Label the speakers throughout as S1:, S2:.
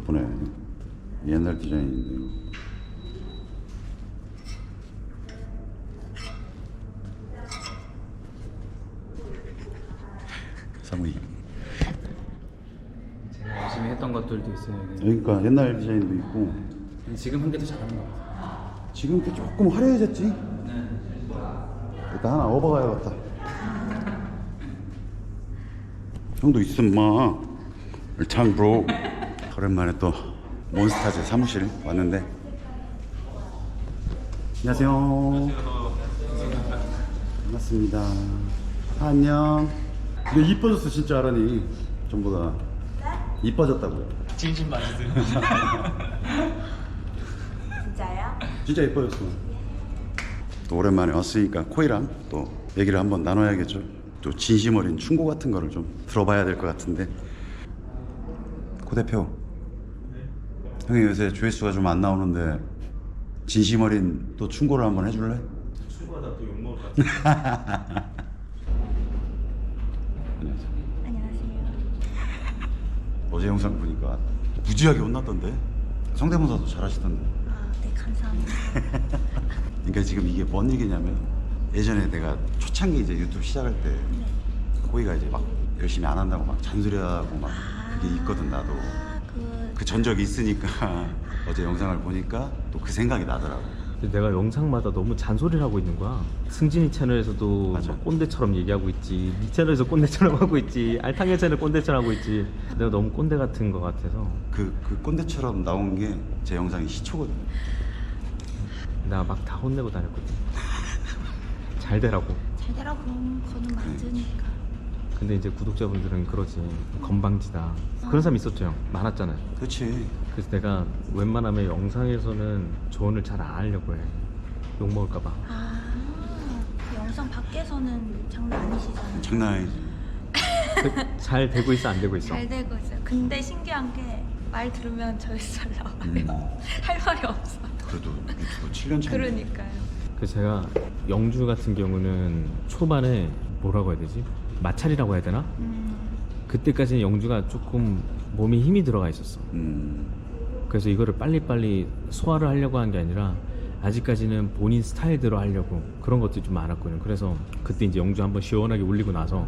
S1: 예쁘네. 옛날 디자인인데요. 사모님.
S2: 제가 열심히 했던 것들도 있어요. 여기.
S1: 그러니까 옛날 디자인도 있고.
S2: 지금 한 게 더 잘하는 것 같아요.
S1: 지금 게 조금 화려해졌지? 일단 하나 업어가야겠다. 형도 있음 마. 장 브로. 오랜만에 또 몬스타즈 사무실 왔는데. 안녕하세요. 반갑습니다. 안녕. 근데 이뻐졌어 진짜 하라니. 전보다 이뻐졌다고요.
S2: 진심 맞으세요?
S3: 진짜요?
S1: 진짜 예뻐졌어. 또 오랜만에 왔으니까 코이랑 또 얘기를 한번 나눠야겠죠. 또 진심 어린 충고 같은 거를 좀 들어봐야 될 것 같은데. 고 대표, 형이 요새 조회수가 좀 안 나오는데 진심 어린 또 충고를 한번 해줄래?
S2: 충고하다 또 욕먹을 것 같아요.
S1: 안녕하세요.
S3: 안녕하세요.
S1: 어제 영상 보니까 무지하게 혼났던데. 성대모사도 잘하시던데.
S3: 아, 네, 감사합니다.
S1: 그러니까 지금 이게 뭔 얘기냐면, 예전에 내가 초창기 이제 유튜브 시작할 때 코이가 이제 막 열심히 안 한다고 막 잔소리하고 막 그게 있거든. 나도 그 전적이 있으니까 어제 영상을 보니까 또 그 생각이 나더라고.
S2: 내가 영상마다 너무 잔소리를 하고 있는 거야. 승진이 채널에서도
S1: 맞아.
S2: 막 꼰대처럼 얘기하고 있지, 니 채널에서 꼰대처럼 하고 있지, 알탕의 채널 꼰대처럼 하고 있지. 내가 너무 꼰대 같은 거 같아서
S1: 그 꼰대처럼 나온 게 제 영상이 시초거든.
S2: 나 막 다 혼내고 다녔거든. 잘 되라고.
S3: 잘 되라고 거는 맞으니까.
S2: 근데 이제 구독자분들은 그러지, 건방지다 그런 사람 있었죠. 형 많았잖아요.
S1: 그렇지.
S2: 그래서 내가 웬만하면 영상에서는 조언을 잘 안 하려고 해. 욕먹을까봐.
S3: 아, 그 영상 밖에서는 장난 아니시잖아요.
S1: 장난 아니지.
S2: 잘 되고 있어 안 되고 있어?
S3: 잘 되고 있어요. 근데 신기한 게 말 들으면 저에서 잘 나와요. 할 말이 없어.
S1: 그래도 유튜브 7년 차.
S3: 그러니까요.
S2: 그래서 제가 영주 같은 경우는 초반에 뭐라고 해야 되지? 마찰이라고 해야 되나? 그때까지는 영주가 조금 몸에 힘이 들어가 있었어. 그래서 이거를 빨리빨리 소화를 하려고 한 게 아니라 아직까지는 본인 스타일대로 하려고 그런 것들이 좀 많았거든요. 그래서 그때 이제 영주 한번 시원하게 울리고 나서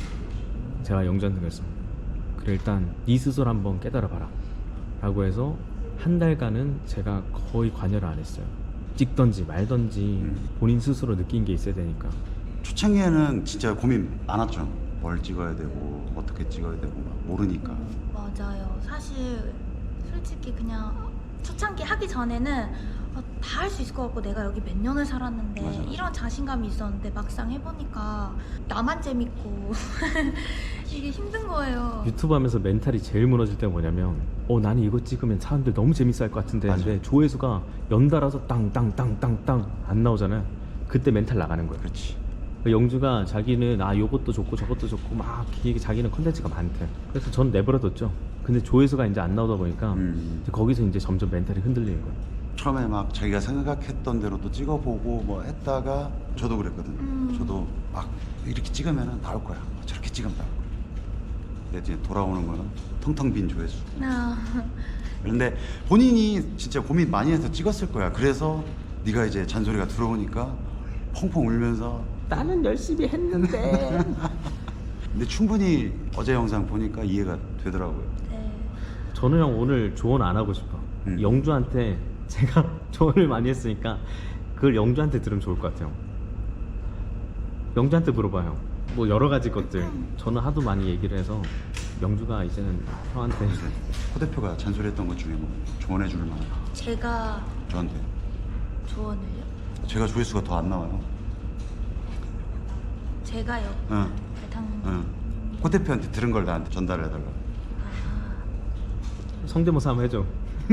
S2: 제가 영주한테 그랬어. 그래, 일단 네 스스로 한번 깨달아봐라 라고 해서 한 달간은 제가 거의 관여를 안 했어요. 찍던지 말던지 본인 스스로 느낀 게 있어야 되니까.
S1: 초창기에는 진짜 고민 많았죠. 뭘 찍어야 되고 어떻게 찍어야 되고 막 모르니까.
S3: 맞아요. 사실 솔직히 그냥 초창기 하기 전에는 다 할 수 있을 것 같고 내가 여기 몇 년을 살았는데
S1: 맞아.
S3: 이런 자신감이 있었는데 막상 해보니까 나만 재밌고 이게 힘든 거예요.
S2: 유튜브 하면서 멘탈이 제일 무너질 때가 뭐냐면 나는 이거 찍으면 사람들 너무 재밌어 할 것 같은데
S1: 맞아.
S2: 근데 조회수가 연달아서 땅땅땅땅땅 안 나오잖아요. 그때 멘탈 나가는 거예요.
S1: 그렇지.
S2: 영주가 자기는 요것도 좋고 저것도 좋고 막 자기는 컨텐츠가 많대. 그래서 전 내버려뒀죠. 근데 조회수가 이제 안 나오다 보니까 이제 거기서 이제 점점 멘탈이 흔들리는 거예요.
S1: 처음에 막 자기가 생각했던 대로도 찍어보고 뭐 했다가 저도 그랬거든. 저도 막 이렇게 찍으면 나올 거야. 저렇게 찍으면 나올 거야. 근데 이제 돌아오는 거는 텅텅 빈 조회수. 그런데 본인이 진짜 고민 많이 해서 찍었을 거야. 그래서 네가 이제 잔소리가 들어오니까 펑펑 울면서
S2: 나는 열심히 했는데.
S1: 근데 충분히 어제 영상 보니까 이해가 되더라고요.
S3: 네.
S2: 저는 형 오늘 조언 안 하고 싶어. 영주한테 제가 조언을 많이 했으니까 그걸 영주한테 들으면 좋을 것 같아요. 영주한테 물어봐요. 뭐 여러 가지 것들. 저는 하도 많이 얘기를 해서 영주가 이제는 형한테
S1: 호 대표가 잔소리했던 것 중에 뭐 조언해 줄 만한
S3: 제가
S1: 저한테.
S3: 조언을요?
S1: 제가 조회수가 더 안 나와요.
S3: 제가요?
S1: 응.
S3: 대탕
S1: 응. 호 대표한테 들은 걸 나한테 전달해달라.
S2: 성대모사 한번 해줘.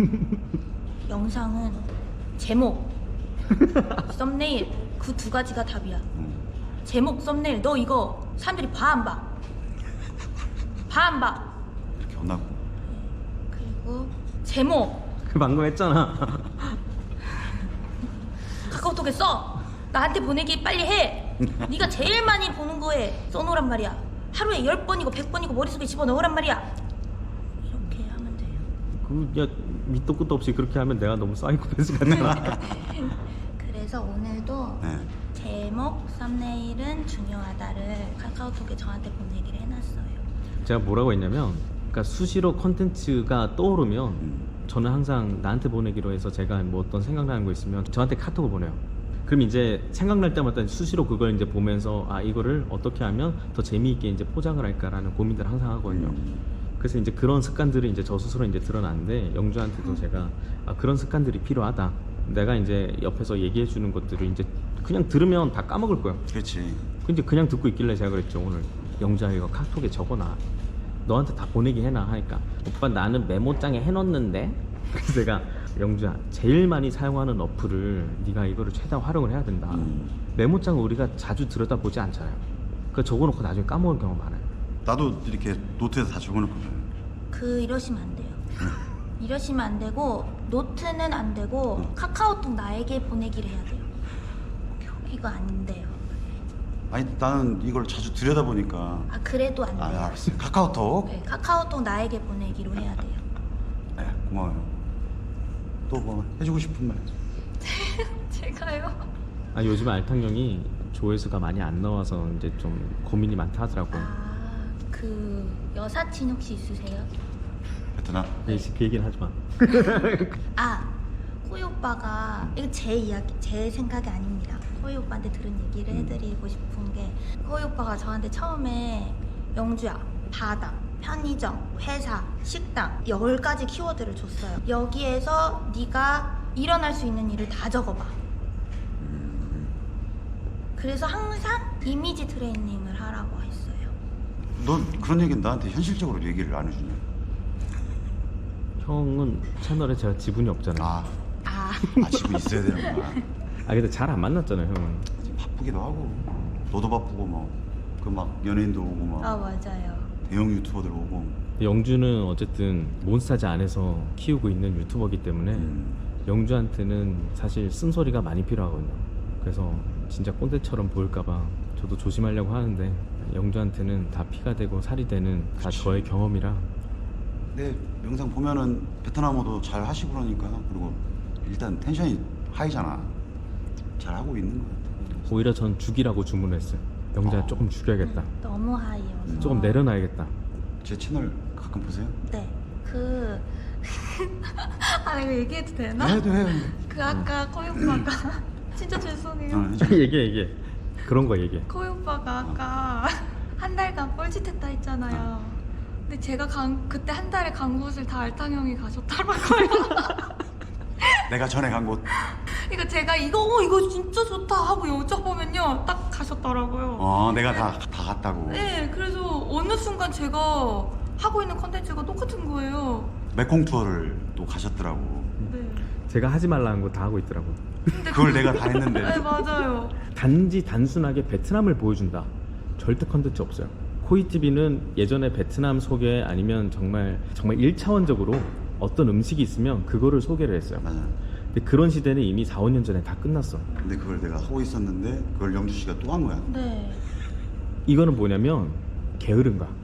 S3: 영상은 제목, 썸네일 그 두 가지가 답이야. 제목, 썸네일 너 이거 사람들이 봐 안 봐? 봐 안 봐?
S1: 이렇게 혼나고.
S3: 그리고 제목
S2: 그 방금 했잖아.
S3: 카카오톡에 써. 나한테 보내기 빨리 해. 네가 제일 많이 보는 거에 써놓으란 말이야. 하루에 10번이고 100번이고 머릿속에 집어넣으란 말이야. 이렇게 하면 돼요.
S2: 야 밑도 끝도 없이 그렇게 하면 내가 너무 사이코패스 같잖아.
S3: 그래서 오늘도
S1: 네.
S3: 제목 썸네일은 중요하다를 카카오톡에 저한테 보내기를 해놨어요.
S2: 제가 뭐라고 했냐면, 그러니까 수시로 컨텐츠가 떠오르면 저는 항상 나한테 보내기로 해서 제가 뭐 어떤 생각나는 거 있으면 저한테 카톡을 보내요. 그럼 이제 생각날 때마다 수시로 그걸 이제 보면서 아 이거를 어떻게 하면 더 재미있게 이제 포장을 할까라는 고민들을 항상 하거든요. 그래서 이제 그런 습관들이 이제 저 스스로 이제 드러났는데 영주한테도 제가 아, 그런 습관들이 필요하다. 내가 이제 옆에서 얘기해 주는 것들을 이제 그냥 들으면 다 까먹을 거야.
S1: 그렇지.
S2: 근데 그냥 듣고 있길래 제가 그랬죠. 오늘 영주야 이거 카톡에 적어놔. 너한테 다 보내기 해놔 하니까 오빠 나는 메모장에 해놓는데. 그래서 제가 영주야 제일 많이 사용하는 어플을 네가 이거를 최대한 활용을 해야 된다. 메모장을 우리가 자주 들여다보지 않잖아요. 그거 적어놓고 나중에 까먹을 경우가 많아요.
S1: 나도 이렇게 노트에서 다 적어놓거든.
S3: 이러시면 안 돼요. 이러시면 안 되고 노트는 안 되고 카카오톡 나에게 보내기를 해야 돼요. 이거 안 돼요.
S1: 아니 나는 이걸 자주 들여다보니까.
S3: 아 그래도 안
S1: 아
S3: 돼요.
S1: 알았어요. 카카오톡.
S3: 네, 카카오톡 나에게 보내기로 해야 돼요.
S1: 네, 고마워요. 또 뭐 해주고 싶은 말.
S3: 제가요?
S2: 아 요즘 알탕형이 조회수가 많이 안 나와서 이제 좀 고민이 많다 하더라고요.
S3: 그 여사친 혹시 있으세요?
S1: 베트남.
S2: 그 얘기는 하지 마.
S3: 호이 오빠가 이거 제 이야기, 제 생각이 아닙니다. 호이 오빠한테 들은 얘기를 해드리고 싶은 게 호이 오빠가 저한테 처음에 영주야, 바다, 편의점, 회사, 식당 10가지 키워드를 줬어요. 여기에서 네가 일어날 수 있는 일을 다 적어봐. 그래서 항상 이미지 트레이닝을 하라고 했어요.
S1: 넌 그런 얘기는 나한테 현실적으로 얘기를 안 해주냐?
S2: 형은 채널에 제가 지분이 없잖아요.
S1: 지분 있어야 되는구나.
S2: 아 근데 잘 안 만났잖아요 형은.
S1: 바쁘기도 하고 너도 바쁘고 뭐 그 막 연예인도 오고 막
S3: 맞아요.
S1: 대형 유튜버들 오고.
S2: 영주는 어쨌든 몬스타즈 안에서 키우고 있는 유튜버이기 때문에 영주한테는 사실 쓴소리가 많이 필요하거든요. 그래서 진짜 꼰대처럼 보일까봐 저도 조심하려고 하는데 영주한테는 다 피가 되고 살이 되는 다 저의 경험이라.
S1: 내 영상 보면은 베트남어도 잘 하시고 그러니까. 그리고 일단 텐션이 하이잖아. 잘 하고 있는 것 같아.
S2: 오히려 전 죽이라고 주문했어요. 영주야 조금 죽여야겠다.
S3: 너무 하이여서
S2: 조금 내려놔야겠다.
S1: 제 채널 가끔 보세요?
S3: 네. 이거 얘기해도 되나?
S1: 해도 해요.
S3: 아까 코이 오빠가 진짜 죄송해요.
S2: 얘기해. 그런 거 얘기해.
S3: 코이 오빠가 아까 한 달간 뻘짓했다 했잖아요. 근데 제가 그때 한 달에 간 곳을 다 알탕형이 가셨더라고요.
S1: 내가 전에 간 곳.
S3: 그러니까 제가 이거 진짜 좋다 하고 여쭤보면요 딱 가셨더라고요.
S1: 내가 다 갔다고.
S3: 네, 그래서 어느 순간 제가 하고 있는 컨텐츠가 똑같은 거예요.
S1: 메콩 투어를 또 가셨더라고.
S3: 네.
S2: 제가 하지 말라는 거 다 하고 있더라고.
S1: 그걸 내가 다 했는데.
S3: 네, 맞아요.
S2: 단순하게 베트남을 보여준다. 절대 컨텐츠 없어요. 코이TV는 예전에 베트남 소개 아니면 정말 1차원적으로 어떤 음식이 있으면 그거를 소개를 했어요.
S1: 맞아.
S2: 근데 그런 시대는 이미 4, 5년 전에 다 끝났어.
S1: 근데 그걸 내가 하고 있었는데 그걸 영주 씨가 또 한 거야.
S3: 네.
S2: 이거는 뭐냐면 게으른 거야.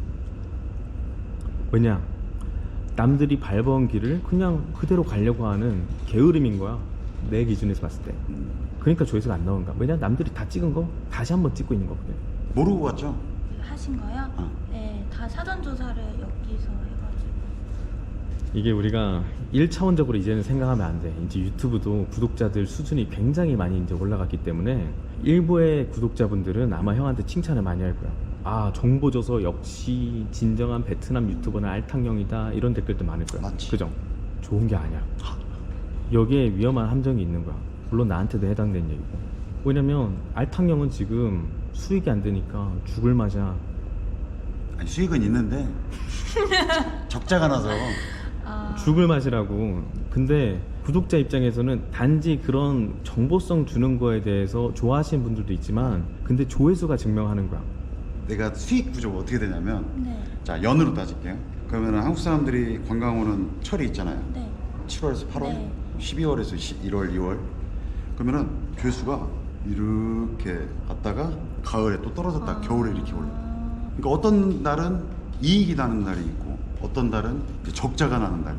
S2: 왜냐? 남들이 밟아온 길을 그냥 그대로 가려고 하는 게으름인 거야. 내 기준에서 봤을 때. 그러니까 조회수가 안 나오는 거야. 왜냐? 남들이 다 찍은 거 다시 한번 찍고 있는 거거든.
S1: 모르고 갔죠?
S3: 하신 거요? 네, 다 사전 조사를 여기서 해가지고.
S2: 이게 우리가 1차원적으로 이제는 생각하면 안 돼. 이제 유튜브도 구독자들 수준이 굉장히 많이 이제 올라갔기 때문에 일부의 구독자분들은 아마 형한테 칭찬을 많이 할 거야. 아, 정보 줘서 역시 진정한 베트남 유튜버는 알탕형이다. 이런 댓글도 많을 거야.
S1: 맞지.
S2: 그죠? 좋은 게 아니야. 여기에 위험한 함정이 있는 거야. 물론 나한테도 해당되는 얘기고. 왜냐면 알탕형은 지금 수익이 안 되니까 죽을 맛이야.
S1: 아니, 수익은 있는데 적자가 나서.
S2: 죽을 맛이라고. 근데 구독자 입장에서는 단지 그런 정보성 주는 거에 대해서 좋아하시는 분들도 있지만 근데 조회수가 증명하는 거야.
S1: 내가 수익 구조가 어떻게 되냐면
S3: 네.
S1: 자 연으로 따질게요. 그러면 한국 사람들이 관광 오는 철이 있잖아요.
S3: 네.
S1: 7월에서 8월,
S3: 네.
S1: 12월에서 1월, 2월. 그러면은 조회수가 이렇게 갔다가 가을에 또 떨어졌다 겨울에 이렇게 올라. 그러니까 어떤 날은 이익이 나는 날이 있고 어떤 달은 이제 적자가 나는 날이 있고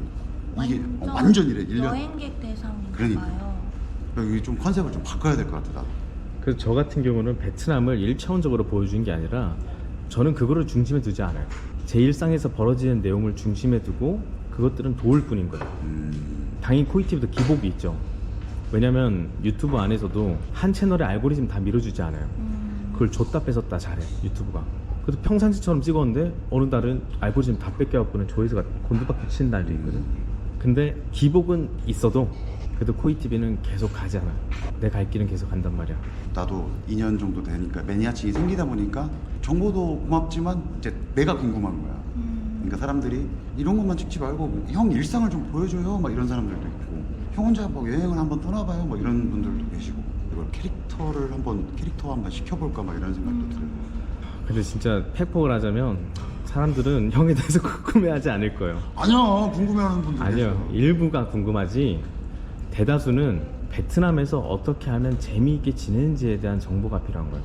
S1: 이게 완전 이래 1년.
S3: 여행객 대상인가
S1: 그러니까.
S3: 봐요.
S1: 여기 좀 컨셉을 좀 바꿔야 될 것 같아 나도.
S2: 그래서 저 같은 경우는 베트남을 1차원적으로 보여주는 게 아니라 저는 그거를 중심에 두지 않아요. 제 일상에서 벌어지는 내용을 중심에 두고 그것들은 도울 뿐인 거예요. 당연히 코이티브도 기복이 있죠. 왜냐면 유튜브 안에서도 한 채널의 알고리즘 다 밀어주지 않아요. 그걸 줬다 뺏었다 잘해 유튜브가. 그래도 평상시처럼 찍었는데 어느 날은 알고리즘 다 뺏겨갖고는 조회수가 곤두박질 치는 날도 있거든. 근데 기복은 있어도 그래도 코이티브는 계속 가잖아. 내 갈 길은 계속 간단 말이야.
S1: 나도 2년 정도 되니까 매니아층이 생기다 보니까 정보도 고맙지만 이제 내가 궁금한 거야. 그러니까 사람들이 이런 것만 찍지 말고 형 일상을 좀 보여줘요 막 이런 사람들도 있고 형 혼자 뭐 여행을 한번 떠나봐요 뭐 이런 분들도 계시고 이걸 캐릭터 한번 시켜볼까 막 이런 생각도 들고.
S2: 근데 진짜 팩폭을 하자면 사람들은 형에 대해서 궁금해하지 않을 거예요.
S1: 아니야 궁금해하는 분들
S2: 아니요, 일부가 궁금하지 대다수는 베트남에서 어떻게 하면 재미있게 지내는지에 대한 정보가 필요한 거예요.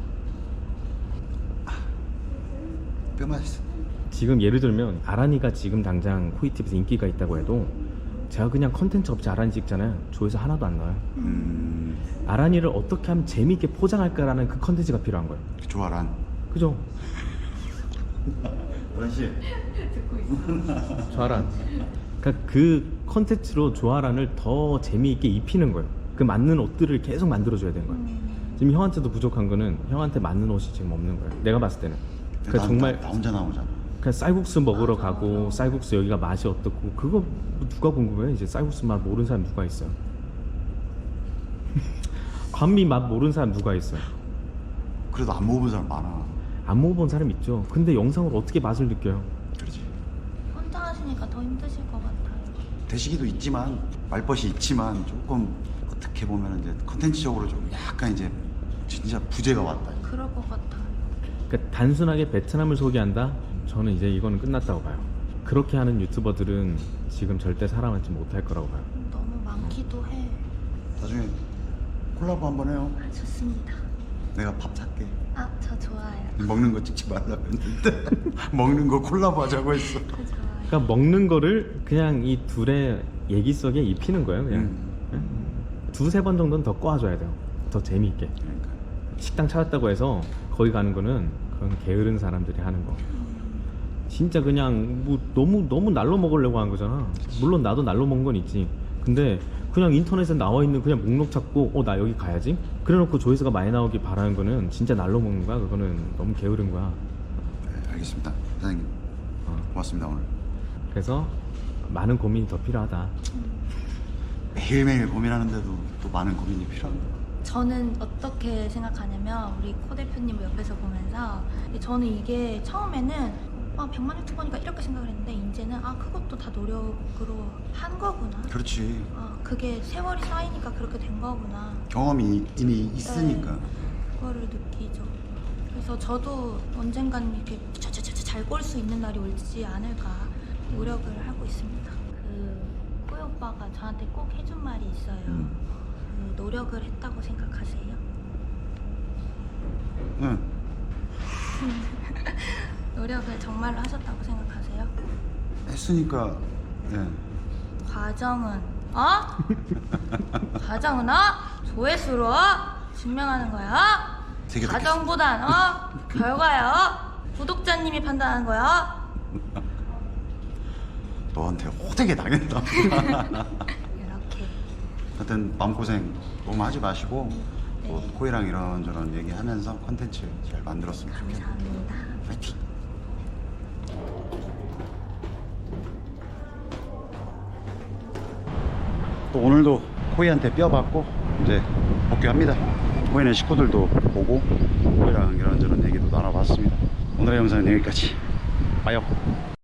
S1: 뼈 맛있어.
S2: 지금 예를 들면 아란이가 지금 당장 코이티브에서 인기가 있다고 해도 제가 그냥 컨텐츠 없이 아란이 찍잖아요. 조회수 하나도 안 나와요. 아란이를 어떻게 하면 재미있게 포장할까라는 그 컨텐츠가 필요한 거예요.
S1: 조아란.
S2: 그죠?
S1: 아저씨.
S2: 조아란. 그러니까 그 컨텐츠로 조아란을 더 재미있게 입히는 거예요. 그 맞는 옷들을 계속 만들어줘야 되는 거예요. 지금 형한테도 부족한 거는 형한테 맞는 옷이 지금 없는 거예요. 내가 봤을 때는. 그러니까 정말
S1: 나 혼자 나오잖아.
S2: 그냥 쌀국수 먹으러 가고 쌀국수 여기가 맛이 어떻고 그거 누가 궁금해? 이제 쌀국수 맛 모르는 사람 누가 있어요? 반미 맛 모르는 사람 누가 있어요?
S1: 그래도 안 먹어본 사람 많아.
S2: 안 먹어본 사람 있죠. 근데 영상으로 어떻게 맛을 느껴요?
S1: 그렇지.
S3: 혼자 하시니까 더 힘드실 것 같아요.
S1: 대시기도 있지만 말벗이 있지만 조금 어떻게 보면 이제 컨텐츠적으로 좀 약간 이제 진짜 부재가 왔다.
S3: 그럴 것 같아요.
S2: 그러니까 단순하게 베트남을 소개한다? 저는 이제 이거는 끝났다고 봐요. 그렇게 하는 유튜버들은 지금 절대 살아남지 못할 거라고 봐요.
S3: 너무 많기도 해.
S1: 나중에 콜라보 한번 해요.
S3: 아, 좋습니다.
S1: 내가 밥 살게.
S3: 아, 저 좋아요.
S1: 먹는 거 찍지 말라고 했는데 먹는 거 콜라보 하자고 했어.
S3: 저 좋아요.
S2: 그러니까 먹는 거를 그냥 이 둘의 얘기 속에 입히는 거예요. 그냥 두세 번 정도는 더 꼬아줘야 돼요. 더 재미있게.
S1: 그러니까.
S2: 식당 찾았다고 해서 거기 가는 거는 그건 게으른 사람들이 하는 거. 진짜 그냥 뭐 너무 날로 먹으려고 하는 거잖아. 물론 나도 날로 먹은 건 있지. 근데 그냥 인터넷에 나와 있는 그냥 목록 찾고 나 여기 가야지. 그래놓고 조회수가 많이 나오길 바라는 거는 진짜 날로 먹는 거야. 그거는 너무 게으른 거야.
S1: 네, 알겠습니다. 사장님. 고맙습니다 오늘.
S2: 그래서 많은 고민이 더 필요하다.
S1: 매일매일 고민하는데도 또 많은 고민이 필요합니다.
S3: 저는 어떻게 생각하냐면 우리 코 대표님 옆에서 보면서 저는 이게 처음에는 100만 유튜버니까 이렇게 생각을 했는데 이제는 그것도 다 노력으로 한 거구나.
S1: 그렇지.
S3: 그게 세월이 쌓이니까 그렇게 된 거구나.
S1: 경험이 이미 있으니까.
S3: 네, 그거를 느끼죠. 그래서 저도 언젠간 이렇게 잘 꼴 수 있는 날이 올지 않을까 노력을 하고 있습니다. 그 코이 오빠가 저한테 꼭 해준 말이 있어요. 그 노력을 했다고 생각하세요?
S1: 응.
S3: 노력을 정말로 하셨다고 생각하세요?
S1: 했으니까. 네.
S3: 과정은 과정은 조회수로 증명하는 거야.
S1: 되게
S3: 과정보단 결과야. 구독자님이 판단하는 거야.
S1: 너한테 호되게 당했다.
S3: 이렇게.
S1: 하여튼 마음고생 너무 하지 마시고
S3: 네.
S1: 또 코이랑 이런저런 얘기하면서 컨텐츠 잘 만들었으면 좋겠네요.
S3: 감사합니다.
S1: 파이팅! 또 오늘도 코이한테 뼈 받고 이제 복귀합니다. 코이네 식구들도 보고 코이랑 이런저런 얘기도 나눠봤습니다. 오늘의 영상은 여기까지. 빠이요.